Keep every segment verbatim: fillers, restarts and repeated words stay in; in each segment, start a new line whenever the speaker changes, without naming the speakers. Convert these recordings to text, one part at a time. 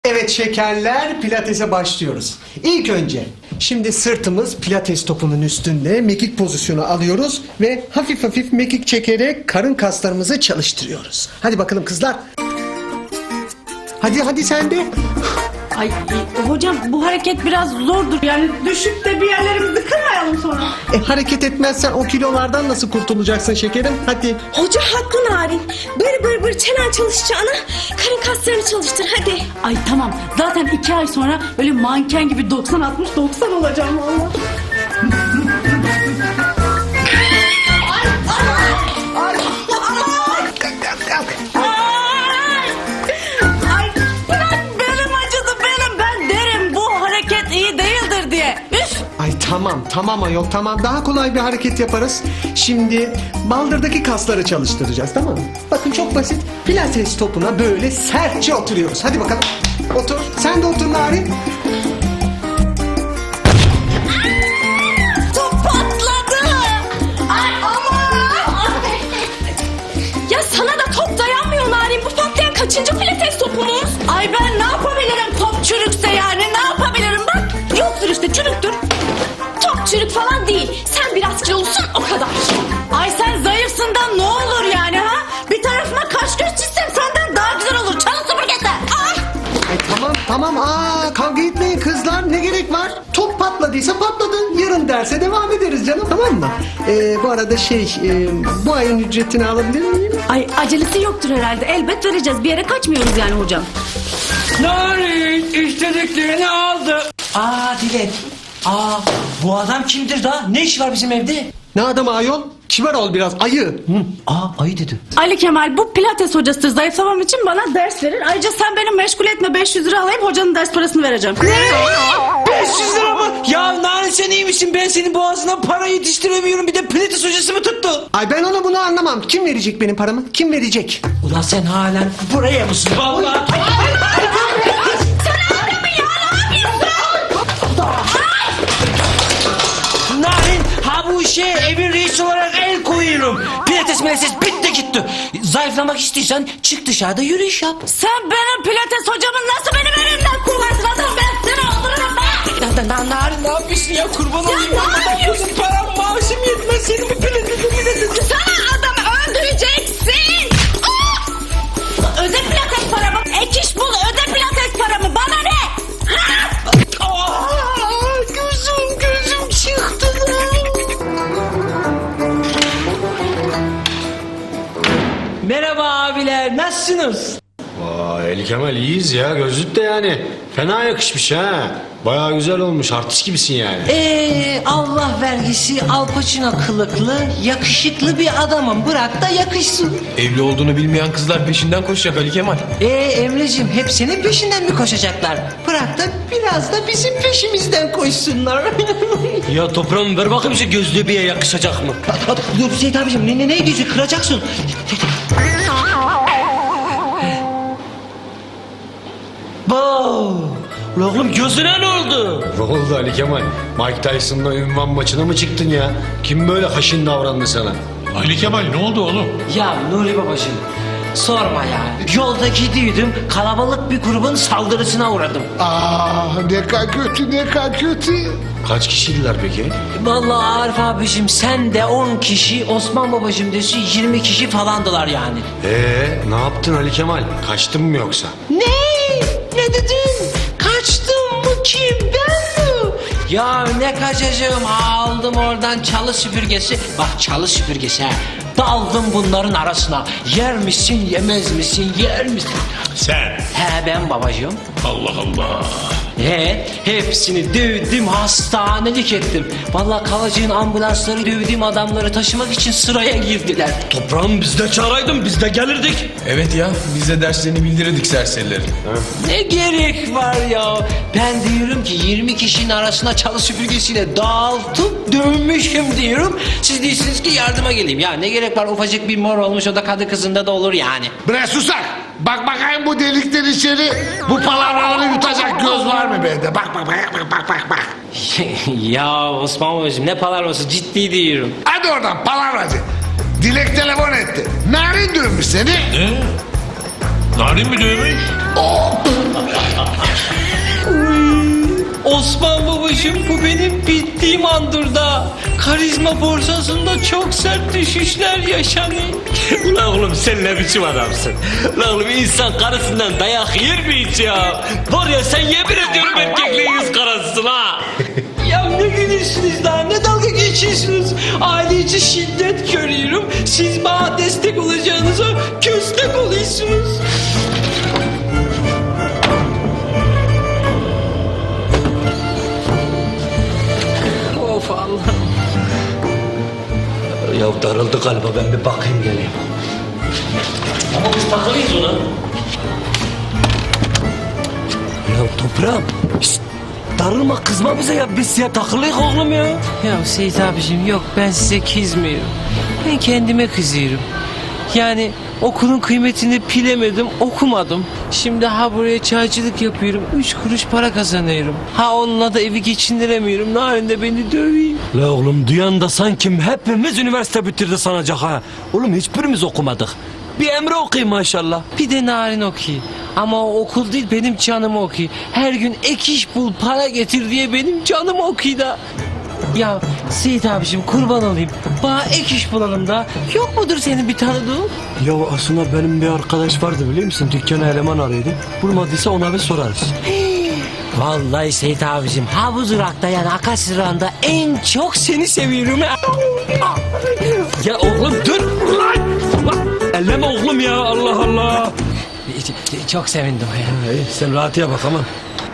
Evet şekerler, pilatese başlıyoruz. İlk önce şimdi sırtımız pilates topunun üstünde mekik pozisyonu alıyoruz ve hafif hafif mekik çekerek karın kaslarımızı çalıştırıyoruz. Hadi bakalım kızlar. Hadi hadi sen de.
Ay e, hocam bu hareket biraz zordur. Yani düşüp de bir yerlerimizi kırmayalım sonra.
E, hareket etmezsen o kilolardan nasıl kurtulacaksın şekerim? Hadi.
Hoca haklı Narin. Bır bır bır çenen çalışacağına karın kaslarını çalıştır hadi.
Ay tamam. Zaten iki ay sonra böyle manken gibi doksan altmış doksan olacağım valla. Ay bırak belim acıdı belim. Ben derim bu hareket iyi değildir diye. Üf.
Ay tamam tamam ayol tamam, daha kolay bir hareket yaparız. Şimdi baldırdaki kasları çalıştıracağız, tamam mı? Bakın çok basit. Pilates topuna böyle sertçe oturuyoruz. Hadi bakalım. Otur. Sen de otur Narin.
Top patladı. Ay aman. Ya sana da top dayanmıyor Narin. Bu patlayan kaçıncı pilates topumuz?
Ay ben ne yapabilirim top çürükse yani ne yapabilirim bak.
Yoktur işte çürüktür. Top çürük falan değil. Sen biraz kilolusun o kadar.
Ay sen zayıfsın da ne olur yani ha? Bir tarafıma kaş göz çizsem senden daha güzel olur. Çalın süpürgesi. Ah!
Ay tamam tamam. Aa, kavga etmeyin kızlar. Ne gerek var? Top patladıysa patladı. Yarın derse devam ederiz canım, tamam mı? Ee, bu arada şey e, bu ayın ücretini alabilir miyim?
Ay acelesi yoktur herhalde. Elbet vereceğiz. Bir yere kaçmıyoruz yani hocam.
Narin istediklerini aldı. Aa Dilek. Aa bu adam kimdir da? Ne iş var bizim evde?
Ne adamı ayol? Kibar ol biraz ayı.
Hı, aa ayı dedi.
Ali Kemal bu pilates hocasıdır. Zayıflamam için bana ders verir. Ayrıca sen beni meşgul etme. beş yüz lira alayım hocanın ders parasını vereceğim.
beş yüz lira mı? Ya Narin sen iyi misin? Ben senin boğazına para yetiştiremiyorum. Bir de pilates hocası mı tuttu?
Ay ben onu bunu anlamam. Kim verecek benim paramı? Kim verecek?
Ulan sen halen buraya mısın? Vallahi. Narin ha bu işe evin reisi olarak el koyuyorum. Pilates milates bitti gitti. Zayıflamak istiyorsan çık dışarıda yürüyüş yap.
Sen benim pilates hocamı nasıl benim elimden kullarsın adam? Ben seni öldürürüm be.
Na, na, na, Narin ne yapıyorsun ya kurban olayım.
ne yapıyorsun?
Param maaşım yetmez senin bu pilates pilates.
Sana adamı öldüreceksin.
Ah! Öde pilates paramı. Ek iş bul öde pilates paramı. Bana ne? Ha?
Aa, gözüm gözüm çıktı lan. Merhaba abiler nasılsınız?
Vay Ali Kemal iyiyiz ya, gözlük de yani fena yakışmış ha. Bayağı güzel olmuş, artist gibisin yani.
Ee, Allah vergisi Al Pacino kılıklı, yakışıklı bir adamım. Bırak da yakışsın.
Evli olduğunu bilmeyen kızlar peşinden koşacak Ali Kemal.
Ee Emre'cim hep senin peşinden mi koşacaklar? Bırak da biraz da bizim peşimizden koşsunlar.
Ya toprağım ver bakayım şu gözlüğü bir yakışacak mı?
Dur Seyit abicim ne, ne, ne diyorsun kıracaksın.
Wow. Ulan oğlum gözüne ne oldu?
Ne oldu Ali Kemal? Mike Tyson'la ünvan maçına mı çıktın ya? Kim böyle haşin davrandı sana?
Ali Kemal ne oldu oğlum?
Ya Nuri babacığım sorma ya. Yolda gidiyordum kalabalık bir grubun saldırısına uğradım.
Ah ne kadar kötü ne kadar kötü.
Kaç kişiydiler peki?
Vallahi Arif abicim sen de on kişi Osman babacığım desin yirmi kişi falandılar yani.
Ee, ne yaptın Ali Kemal? Kaçtın mı yoksa?
Ne? Ne dedin? Kaçtım mı kim ben mi? Ya ne kaçacağım aldım oradan çalı süpürgesi. Bak çalı süpürgesi ha. Daldım bunların arasına. Yer misin yemez misin yer misin?
Sen.
He ben babacığım.
Allah Allah.
He hepsini dövdüm hastanelik ettim. Vallahi kalacığın ambulansları dövdüğüm adamları taşımak için sıraya girdiler.
Toprağım biz de çağıraydın biz de gelirdik. Evet ya biz de derslerini bildirirdik serserilerin.
Ne gerek var ya? Ben diyorum ki yirmi kişinin arasına çalı süpürgesiyle dağıltıp dövmüşüm diyorum. Siz diyorsunuz ki yardıma geleyim. Ya ne gerek var ufacık bir mor olmuş o da kadı kızında da olur yani.
Bre susak. Bak bakayım bu delikten içeri. Bu palavraları yutacak göz var mı bende? Bak bak bak bak bak bak bak.
Ya Osman babacığım ne palavrosu ciddi diyorum.
Hadi oradan palavracı. Dilek telefon etti. Narin dövmüş seni.
Ne? Narin mi dövmüş?
Osman babacığım, bu benim bittiğim andır da. Karizma borsasında çok sert düşüşler yaşanıyor.
Ulan oğlum sen ne biçim adamsın? Ulan oğlum insan karısından dayak yer mi hiç ya? Var ya sen yemin ediyorum erkekliğin yüz karasısın ha.
Ya ne gülüyorsunuz daha, ne dalga geçiyorsunuz? Aile içi şiddet görüyorum. Siz bana destek olacağınıza köstek oluyorsunuz. Of Allah'ım.
Ya darıldı galiba, ben bir bakayım geleyim. Ama biz takılıyız ona. Ya toprağım. Şşt, darılma, kızma bize ya, biz ya takılıyız oğlum ya.
Ya Seyit abicim, yok ben size kızmıyorum. Ben kendime kızıyorum. Yani okulun kıymetini bilemedim, okumadım. Şimdi ha buraya çaycılık yapıyorum, üç kuruş para kazanıyorum. Ha onunla da evi geçindiremiyorum, Narin de beni dövüyor.
La oğlum duyan da sanki hepimiz üniversite bitirdi sanacak ha. Oğlum hiçbirimiz okumadık. Bir Emre okuyayım maşallah.
Bir de Narin okuyor. Ama o okul değil, benim canım okuyor. Her gün ek iş bul, para getir diye benim canım okuyor da. Ya Seyit abicim, kurban olayım. Bana ek iş bulalım da. Yok mudur senin bir tanıdığın?
Ya aslında benim bir arkadaş vardı biliyor musun? Dükkana eleman arıyordu. Bulmadıysa ona bir sorarız.
Vallahi Seyit abicim, ha bu durakta yani Akasya durağında en çok seni seviyorum.
Ya oğlum dur lan! Lan! Elleme oğlum ya, Allah Allah!
Çok sevindim ya.
İyi, sen rahatıya bak aman.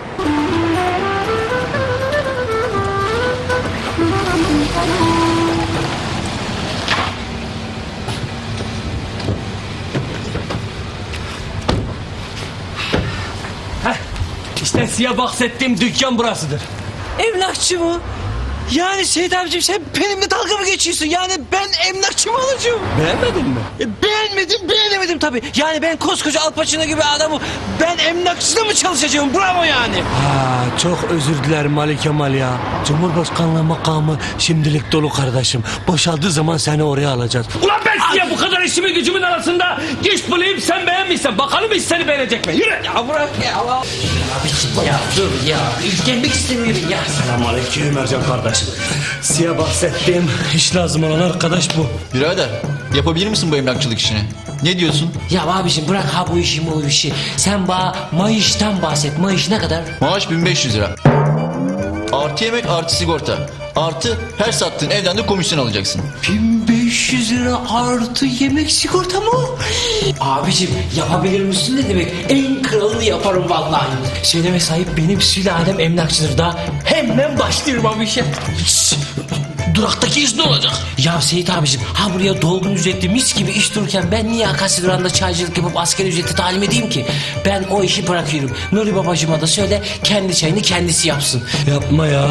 Heh, işte size bahsettiğim dükkan burasıdır.
Emlakçı mı? Yani Seyit abicim, sen benimle dalga mı geçiyorsun? Yani ben emlakçı mı alacağım?
Beğenmedin mi?
E, beğenmedim, beğenemedim tabii. Yani ben koskoca Al Pacino gibi adamı ben emlakçıda mı çalışacağım? Bravo yani.
Ha, çok özür dilerim Ali Kemal ya. Cumhurbaşkanlığı makamı şimdilik dolu kardeşim. Boşaldığı zaman seni oraya alacağız. Ulan ben size bu kadar işimin gücümün arasında iş bulayım, sen beğenmişsen bakalım iş seni beğenecek mi? Yürü.
Ya bırak ya. Abiciğim ya dur ya. İlgilenmek istemiyorum ya.
Selamünaleyküm Ercan kardeşim. Size bahsettiğim iş lazım olan arkadaş bu.
Birader yapabilir misin bu emlakçılık işini? Ne diyorsun?
Ya abiciğim bırak ha bu işi bu işi. Sen bana Mayış'tan bahset. Mayış ne kadar?
Maaş bin beş yüz lira. Artı yemek artı sigorta. Artı her sattığın evden de komisyon alacaksın.
bin beş yüz lira artı yemek sigorta mı? Abicim yapabilir misin ne demek? En kralını yaparım vallahi. Söyleme sahip benim sülalem emlakçıdır da hemen başlıyorum abi işe.
Duraktaki iş ne olacak?
Ya Seyit abicim ha buraya dolgun ücretli mis gibi iş dururken ben niye Akasya durağında çaycılık yapıp asgari ücreti talim edeyim ki? Ben o işi bırakıyorum. Nuri babacıma da söyle kendi çayını kendisi yapsın.
Yapma ya.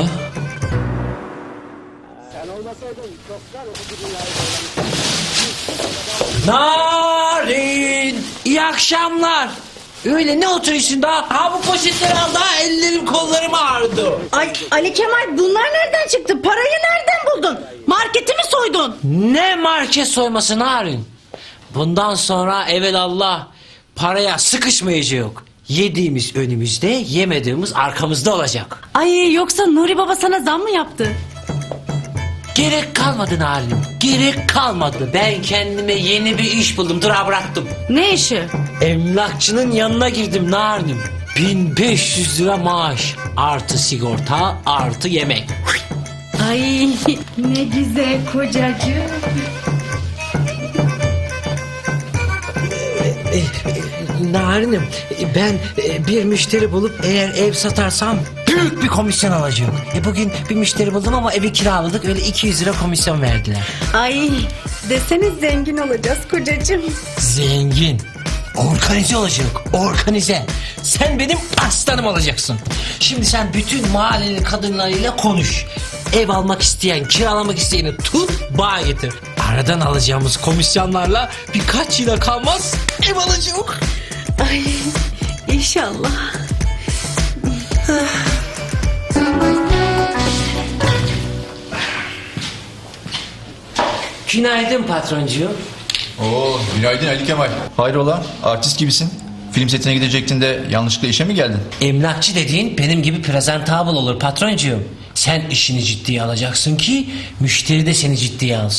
Narin! İyi akşamlar. Öyle ne oturuyorsun daha? Ha bu poşetleri al daha ellerim kollarım ağrıdı.
Ay Ali Kemal, bunlar nereden çıktı? Parayı nereden buldun? Marketi mi soydun?
Ne market soyması Narin? Bundan sonra evelallah paraya sıkışmayacak. Yediğimiz önümüzde, yemediğimiz arkamızda olacak.
Ay yoksa Nuri Baba sana zam mı yaptı?
Gerek kalmadı Narin. Gerek kalmadı. Ben kendime yeni bir iş buldum. Durağı bıraktım.
Ne işi?
Emlakçının yanına girdim Narin'im. bin beş yüz lira maaş. Artı sigorta, artı yemek.
Ay ne güzel kocacığım.
Narin'im ben e, bir müşteri bulup eğer ev satarsam büyük bir komisyon alacağım. E bugün bir müşteri buldum ama evi kiraladık, öyle iki yüz lira komisyon verdiler.
Ay desene zengin olacağız kocacığım.
Zengin. Organize olacak. Organize. Sen benim aslanım olacaksın. Şimdi sen bütün mahallenin kadınlarıyla konuş. Ev almak isteyen, kiralamak isteyeni tut, bağ getir. Aradan alacağımız komisyonlarla birkaç yıla kalmaz ev alacak.
Ay inşallah.
Günaydın patroncuğum.
Oo, günaydın Ali Kemal. Hayrola artist gibisin. film setine gidecektin de yanlışlıkla işe mi geldin?
Emlakçı dediğin benim gibi presentable olur patroncuğum. Sen işini ciddiye alacaksın ki müşteri de seni ciddiye alsın.